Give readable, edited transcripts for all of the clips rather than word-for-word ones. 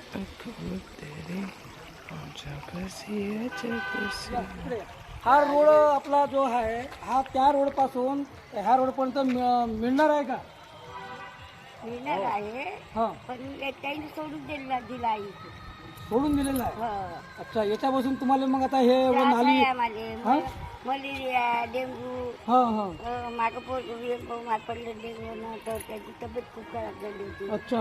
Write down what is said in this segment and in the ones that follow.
हा रोड आपला जो आहे हा त्या रोड पासून ह्या रोड पर्यंत मिळणार आहे का? मिळणार आहे हा पण काही सोडून दिला आहे इथे. सोडून दिलेलं आहे. हो. अच्छा याच्यापासून तुम्हाला मग आता हे नाली हा मलेरिया डेंगू हा हा मागं पडलं डेंगू तर त्याची तब्येत खूप खराब झाली होती. अच्छा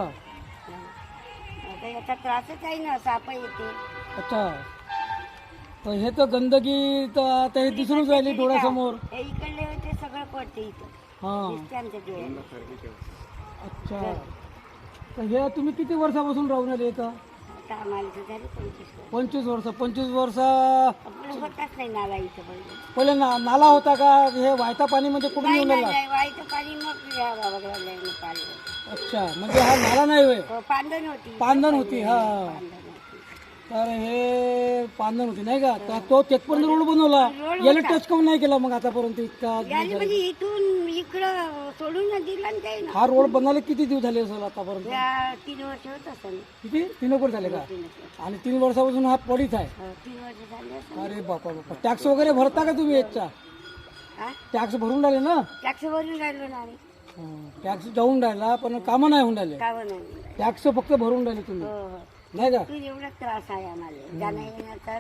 आता याचा त्रासच आहे ना साप येते. अच्छा तर हे तर गंदगी तर आता हे दिसूनच राहिली डोळ्यासमोर. हे इकडले होते सगळं पडते इथं हा दिसते आमच्या डोळ्यात. अच्छा तर हे तुम्ही किती वर्षापासून राहून आले इथं? आता आम्हाला तर झाली 25 25 वर्ष. वर्ष 25 वर्ष आपण होताच नाही नाला इथं पहिले. पहिले नाला होता का? हे वाहता पाणी म्हणजे कुठून येऊन आला? वाईचं पाणी मग या बाबाकडे पाणी. अच्छा म्हणजे हा नाला नाही होय, पांदण होती. पांदण होती. हा पांदण होती. तर हे पांदण होती नाही का? तर तो तेथपर्यंत रोड बनवला. याला टच काऊन नाही केला मग आतापर्यंत इतका? याने म्हणजे इथून इकडं सोडून दिला ना काही ना. हा रोड बनायला किती दिवस झाले असेल आतापर्यंत? या 3 वर्ष होत असेल. किती? 3 वर्ष झाले का? 3 वर्ष. आणि 3 वर्षापासून हा पडीत आहे. 3 वर्ष झाले असेल. अरे बापा बापा टॅक्स वगैरे भरता का तुम्ही याचा? हा? टॅक्स भरून राहिले ना? टॅक्स भरून राहिलो ना आम्ही. टॅक्स जाऊन राहिला पण कामं नाही होऊन राहिले. कावं नाही. टॅक्स फक्त भरून राहिले तुम्ही हो हो. नाही का? तू एवढा त्रास आहे आम्हाला जाण्या येण्याचा.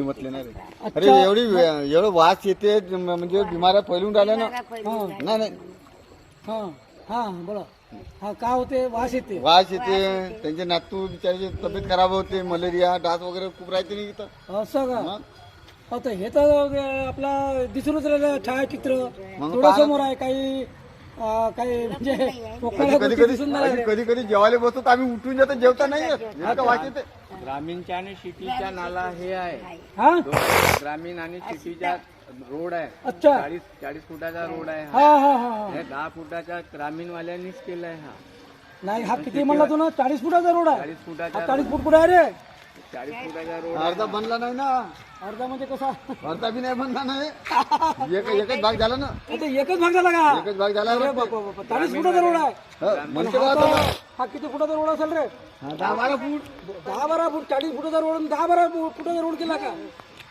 अरे एवढं वास येते म्हणजे बिमाऱ्या फैलून राहिल्या ना. नाही नाही हा हा बोला. हा का होते? वास येते. वास येते त्यांचे नातू बिचाराची तब्येत खराब होते. मलेरिया डास वगैरे खूप राहते नाही इथं. असं का? मग? आता हे तर आपला दिसूनच राहिलं छायाचित्र मग डोळ्यासमोर आहे. काही काही म्हणजे कोकणाला कधी गोष्टी दिसून नाही राहिल्या. कधी कधी जेवायला बसतो तर आम्ही उठून जातो जेवता नाही येत. इतकं वास येते. ग्रामीणच्या आणि सिटीच्या नाला हे आहे. हा ग्रामीण आणि सिटीचा रोड आहे. अच्छा 40 फुटाचा रोड आहे हा हा हा हा हे 10 फुटाचा ग्रामीणवाल्यांनीच केलाय हा. नाही हा किती म्हणला तू ना? 40 फुटाचा रोड आहे. 40 फुटाचा 40 फूट कुठे आहे रे? 40 फुटाचा रोड अर्धा बनला नाही ना. अर्धा म्हणजे कसा? अर्धा बी नाही बनला नाही. एकच भाग झाला ना. आता एकच भाग झाला का? एकच भाग झाला. अरे बापा बापा 40 फुटाचा रोड आहे. म्हणते हा का तर- आता? हा किती फुटाचा रोड असेल रे? 10-12 फूट. 10-12 फूट 40 फुटाचा रोड 10-12 फुटाचा रोड केला का?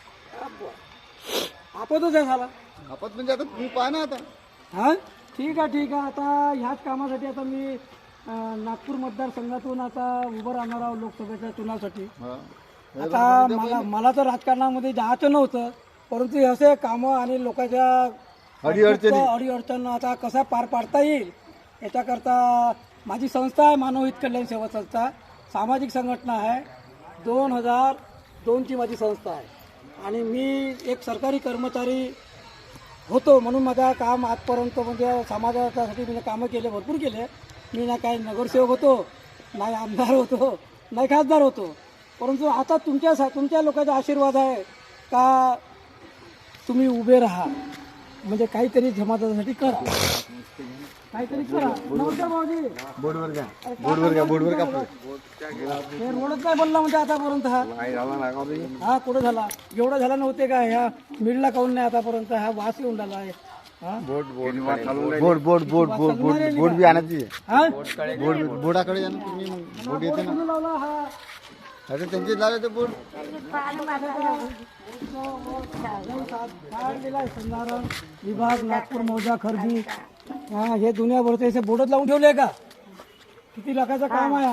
आपतच आहे झाला. आपत म्हणजे आता तू पाहा ना आता. हा ठीक आहे आता ह्याच कामासाठी आता मी नागपूर मतदारसंघातून आता उभं राहणार आहोत लोकसभेच्या चुनावासाठी. आता मला तर राजकारणामध्ये जायचं नव्हतं परंतु असे कामं आणि लोकांच्या अडीअडचण आता कसा पार पाडता येईल याच्याकरता माझी संस्था आहे मानव हित कल्याण सेवा संस्था. सामाजिक संघटना आहे. 2002ची माझी संस्था आहे आणि मी एक सरकारी कर्मचारी होतो म्हणून माझं काम आजपर्यंत म्हणजे समाजासाठी मी कामं केले भरपूर केले. मी ना काही नगरसेवक होतो, नाही आमदार होतो, नाही खासदार होतो. परंतु आता तुमच्या लोकांचा आशीर्वाद आहे का तुम्ही उभे राहा म्हणजे काहीतरी समाजासाठी करा. काहीतरी करा. नमस्कार भाऊजी. बोर्डवर का हे रोडच नाही बनला म्हणजे आतापर्यंत हा कुठं झाला? एवढं झाला नव्हते का? ह्या मिडला काऊन नाही आतापर्यंत? हा वास येऊन राहिला आहे. बोर्ड बी आणायची. बोर्डाकडे जा ना तुम्ही. बोर्ड येते ना. लावला हा अरे त्यांचे लावले ते बोर्ड. संधारण विभाग नागपूर मौजा खर्दी हा हे दुनियाभरचे असे बोर्डच लावून ठेवले का? किती लाखाचं काम आहे?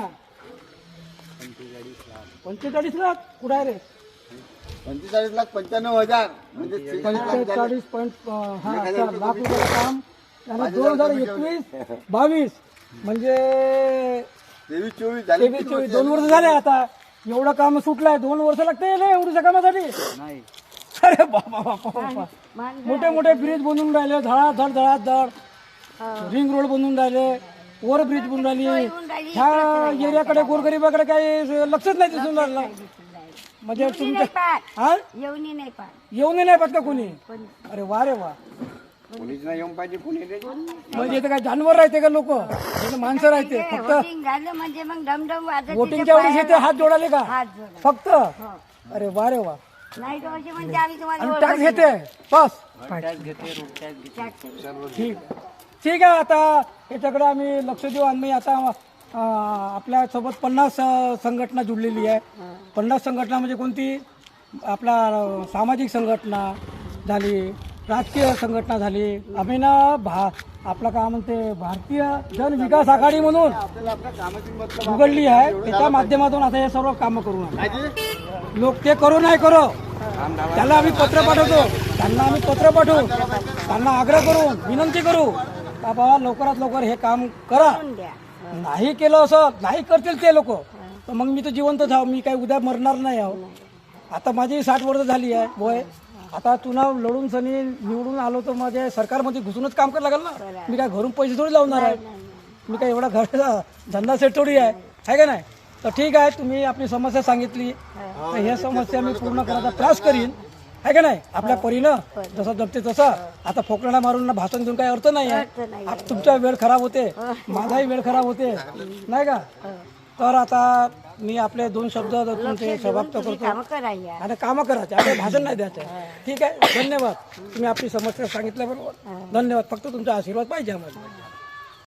45 लाख कुठं आहे रे? 45,95,000 म्हणजे 45 लाख रुपयाचं काम आणि 2021-22 म्हणजे 23-24 झाले. 23-24 2 वर्ष झाले. आता एवढं काम सुटलंय. 2 वर्ष लागते एवढ्या कामासाठी? नाही. अरे बापा बापा मोठे मोठे ब्रिज बनवून राहिले. धडाधड रिंग रोड बनवून राहिले. ओव्हर ब्रिज बनवून राहिली. ह्या एरियाकडे गोरगरीबाकडे काही लक्षच नाही दिसून राहिलं. म्हणजे तुमच्या हा येऊन नाही पा येऊन नाही पाहत का कोणी? अरे वा रे वा. कोणीच नाही येऊन पाहिजे कोणी रे. म्हणजे इथं काय जानवर राहते का? लोक माणसं राहते फक्त? वोटिंग झालं म्हणजे मग डमडम वाजत वोटिंगच्या वेळेस येते हात जोडाले का हात जोडा. फक्त? अरे वा रे वा. नाही तर असे म्हणजे आम्ही तुम्हाला आणि टॅक्स घेते बस. टॅक्स घेते रोड टॅक्स घेते. ठीक आहे आता याच्याकडे आम्ही लक्ष देऊ. आम्ही आता आपल्यासोबत 50 संघटना जुडलेली आहे. 50 संघटना म्हणजे कोणती? आपला सामाजिक संघटना झाली, राजकीय संघटना झाली. आम्ही ना आपला काय म्हणते भारतीय जन विकास आघाडी म्हणून उघडली आहे. त्याच्या माध्यमातून आता हे सर्व कामं करू नये. लोक ते करो नाही करो, त्याला आम्ही पत्र पाठवतो, त्यांना आम्ही पत्र पाठवू, त्यांना आग्रह करू, विनंती करू का बाबा लवकरात लवकर हे काम करा. नाही केलं असं नाही करतील ते लोक तर मग मी तर जिवंत जाऊ, मी काही उद्या मरणार नाही आहो. आता माझी 60 वर्ष झाली आहे वय. आता चुनाव लढून सनी निवडून आलो तर माझ्या सरकारमध्ये घुसूनच काम करायला लागेल ना. मी काय घरून पैसे थोडी लावणार आहे, मी काय एवढा घराचा धंदा सेट थोडी आहे का नाही. तर ठीक आहे, तुम्ही आपली समस्या सांगितली तर ह्या समस्या मी पूर्ण करायचा प्रयास करीन, आहे का नाही. आपल्या परीनं जसं जमते तसं. आता फोकळा मारून भाषण देऊन काही अर्थ नाही आहे. तुमचा वेळ खराब होते, माझाही वेळ खराब होते, नाही का. तर आता मी आपले 2 शब्द तुमचे समाप्त करतो. कामं करायला आता कामं करायचे, आता भाषण नाही द्यायचं. ठीक आहे, धन्यवाद. तुम्ही आपली समस्या सांगितल्याबरोबर धन्यवाद. फक्त तुमचा आशीर्वाद पाहिजे आम्हाला.